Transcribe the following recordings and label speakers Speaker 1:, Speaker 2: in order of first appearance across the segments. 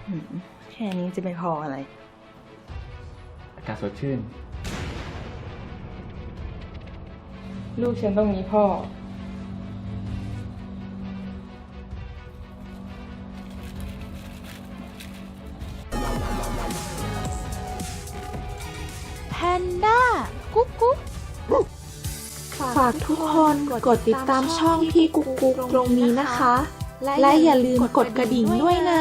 Speaker 1: แค่นี้จะไปพออะไร
Speaker 2: อากาศสดชื่น
Speaker 1: ลูกฉันต้องมีพ่อ
Speaker 3: แพนด้ากุ๊กกุ๊ก
Speaker 4: ฝากทุกคนกดติดตามช่องพี่กุ๊กกุ๊กตรงนี้นะคะ และอย่าลืมกดกระดิ่งด้วยนะ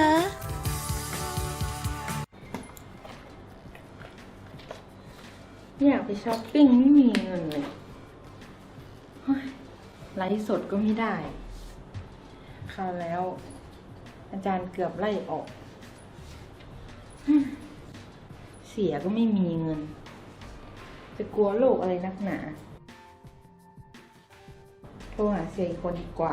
Speaker 1: อยากไปช้อปปิ้งไม่มีเงินเลยไลฟ์สดก็ไม่ได้คราวแล้ว อาจารย์เกือบไล่ออกเสียก็ไม่มีเงิน จะกลัวโลกอะไรนักหนาโทรหาเสียอีกคนดีกว่า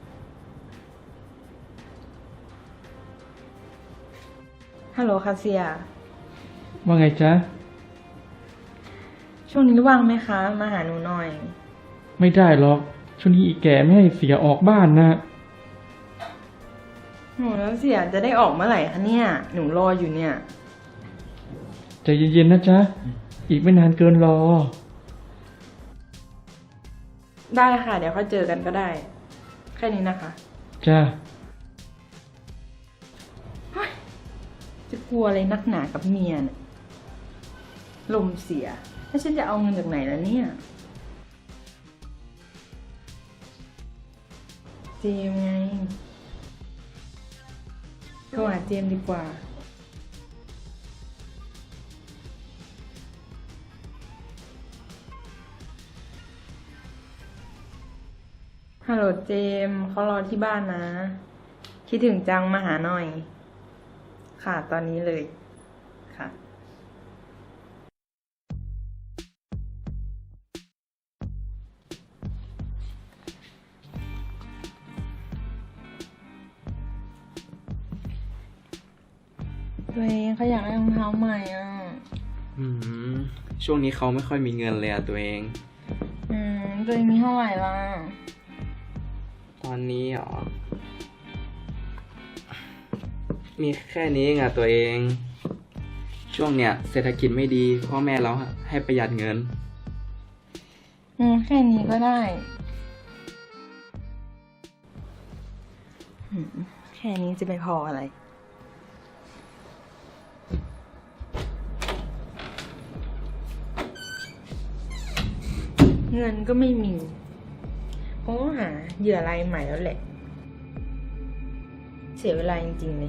Speaker 1: ฮัลโหลค่ะเสีย
Speaker 2: ว่าไงจ๊ะ
Speaker 1: ช่วงนี้ว่างไหมคะมาหาหนูหน่อย
Speaker 2: ไม่ได้หรอกช่วงนี้อีแก่ไม่ให้เสียออกบ้านนะ
Speaker 1: หนูแล้วเสียจะได้ออกเมื่อไหร่คะเนี่ยหนูรออยู่เนี่ย
Speaker 2: ใจเย็นๆนะจ๊ะอีกไม่นานเกินรอ
Speaker 1: ได้ค่ะเดี๋ยวค่อยเจอกันก็ได้แค่นี้นะคะ
Speaker 2: จ้า
Speaker 1: จะกลัวอะไรนักหนากับเมียเนี่ยลมเสียแล้วฉันจะเอาเงินจากไหนล่ะเนี่ยเจมไงโทรหาเจมดีกว่าฮัลโหลเจมเขารอที่บ้านนะคิดถึงจังมาหาหน่อยค่ะตอนนี้เลยค่ะตัวเองเขาอยากได้รองเท้าใหม่อ่ะ
Speaker 5: ช่วงนี้เขาไม่ค่อยมีเงินเลยอะตัวเอง
Speaker 1: ตัวเองมีเท่าไหร่ล่ะ
Speaker 5: ตอนนี้หรอมีแค่นี้เองอะตัวเองช่วงเนี้ยเศรษฐกิจไม่ดีพ่อแม่เราให้ประหยัดเงิน
Speaker 1: แค่นี้ก็ได้แค่นี้จะไปพออะไรเงินก็ไม่มีโอ้หาเหยื่อรายใหม่แล้วแหละเสียเวลาจริงๆเลย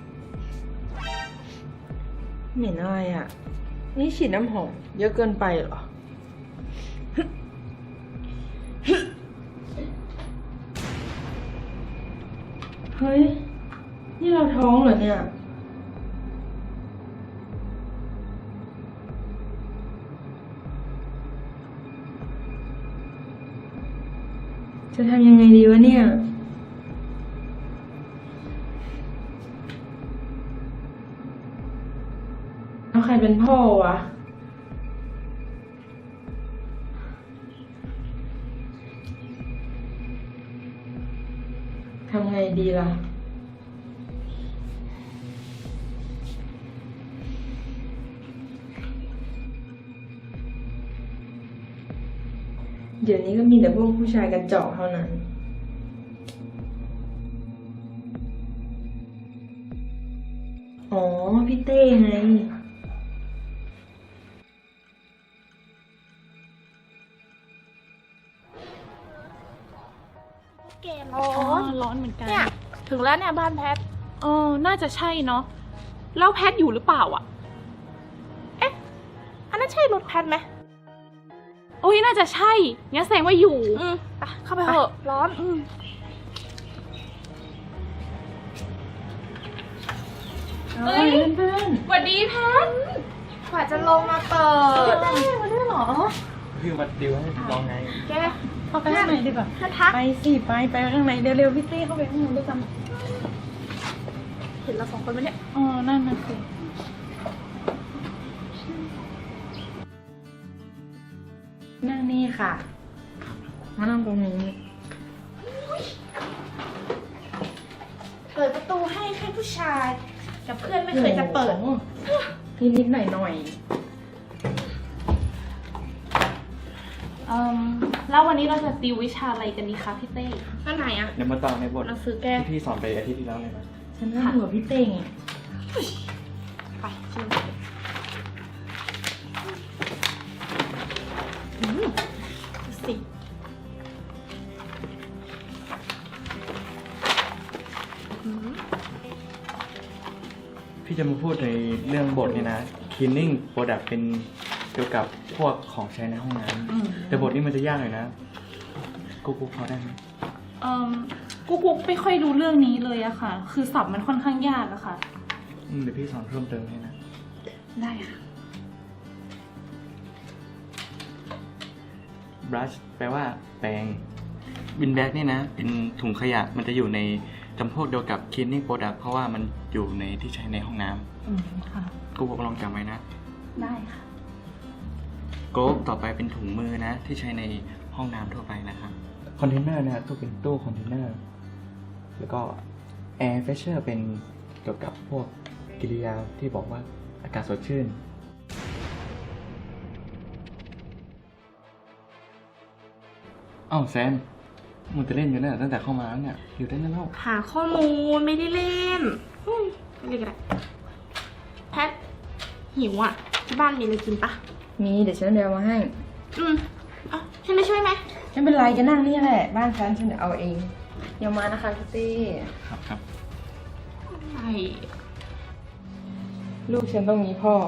Speaker 1: เหม็นอะไรอ่ะนี่ฉีดน้ำหอมเยอะเกินไปเหรอเฮ้ยนี่เราท้องเหรอเนี่ยจะทำยังไงดีวะเนี่ยแล้วใครเป็นพ่อวะทำไงดีล่ะเดี๋ยวนี้ก็มีแต่พวกผู้ชายกระจอกเท่านั้นอ๋อพี่เต้ไง
Speaker 3: เกมร้อนเหมือนกันเนี่ยถึงแล้วเนี่ยบ้านแพทน่าจะใช่เนาะแล้วแพทอยู่หรือเปล่าอ่ะเอ๊ะอันนั้นใช่รถแพทไหมโอ้ยน่าจะใช่งั้นแสดงว่าอยู่ไปเข้าไปเถอะร้อน
Speaker 1: เฮ้ยเพื่อน
Speaker 3: สวัสดีแพทกว่าจะลงมาเปิดมาได้หรอ
Speaker 5: คือมาดิวให้ลองไง
Speaker 3: แก
Speaker 1: เข้าไปข้างในดีกว่าไปสิไปข้างในเร็วๆพี่เต้เข้าไปข้างในด้วยกัน
Speaker 3: เห็นเราสองคนไหมเนี่ย
Speaker 1: นั่นสินั่งนี่ค่ะมานั่งตรงนี้
Speaker 3: เปิดประตูให้ผู้ชายแต่เพื่อนไม่เคยจะเปิด
Speaker 1: นิดๆหน่อย
Speaker 3: แล้ววันนี้เราจะติววิชาอะไรกันดีคะพี่เต้ก็ไหนอะ
Speaker 2: เดี๋ยวมาต่อในบท
Speaker 3: เราซื้อแก้
Speaker 2: ที่พี่สอนไปอาทิตย์ที่แล้วเลยนะ
Speaker 1: ๆฉันนั่งอยู่กับพี่เต้ไง
Speaker 3: ไปชิมดูสิ
Speaker 2: พี่จะมาพูดในเรื่องบทนี่นะ cleaning product เป็นเกี่ยวกับพวกของใช้ในห้องน้ำแต่บทนี้มันจะยากหน่อยนะกูพอได้ไหม
Speaker 3: กุ๊กไม่ค่อยรู้เรื่องนี้เลยอะค่ะ คือศัพท์มันค่อนข้างยากอะค่ะ
Speaker 2: เดี๋ยวพี่สอนเพิ่มเติมให้นะ
Speaker 3: ได้ค่ะ
Speaker 2: brush แปลว่าแปรง bin bag นี่นะ เป็นถุงขยะมันจะอยู่ในจำพวกเดียวกับ cleaning product เพราะว่ามันอยู่ในที่ใช้ในห้องน้
Speaker 3: ค่ะ
Speaker 2: ำกูลองจำไว้นะ
Speaker 3: ได้ค่ะ
Speaker 2: glove ต่อไปเป็นถุงมือนะ ที่ใช้ในห้องน้ำทั่วไปนะครับคอนเทนเนอร์นะตู้เป็นตู้คอนเทนเนอร์แล้วก็ air freshener เป็นเกี่ยวกับพวกกิริยาที่บอกว่าอากาศสดชื่นอ้าวแซมมึงจะเล่นอยู่เนี่ยตั้งแต่เข้ามาแล้วเนี่ยอยู่ได้แล้ว
Speaker 3: หาข้อมูลไม่ได้เล่นไม่ได้ก็ได้แพทหิวอ่ะ ที่บ้านมีอะไรกินปะ
Speaker 1: มีเดี๋ยวฉันเดี๋ยวมาให้
Speaker 3: อ่ะฉันไม่ช่วยไหม
Speaker 1: ไม่เป็นไรก็นั่งนี่แหละ บ้านฉันเดี๋ยวเอาเองเดี๋ยวมานะคะพี่เต้
Speaker 2: ครับครับ
Speaker 3: ไอ้
Speaker 1: ลูกฉันต้องมีพ่อ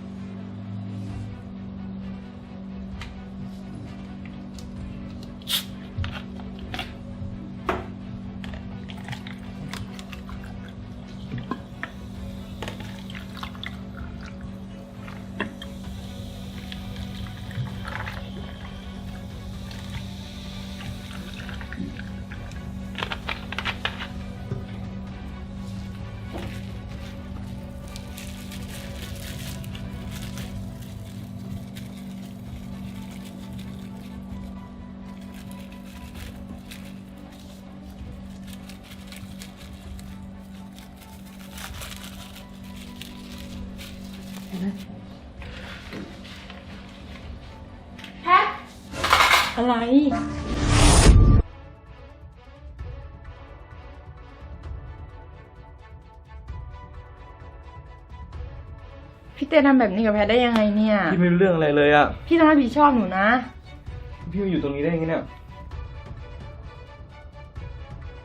Speaker 3: แพท
Speaker 1: อะไร พี่เต้ทำแบบนี้กับแพทได้ยังไงเนี่ย
Speaker 2: พี่ไม่รู้เรื่องอะไรเลยอ่ะ
Speaker 1: พี่ต้องรับผิดชอบหนูนะ
Speaker 2: พี่มาอยู่ตรงนี้ได้ยังไงเนี่ย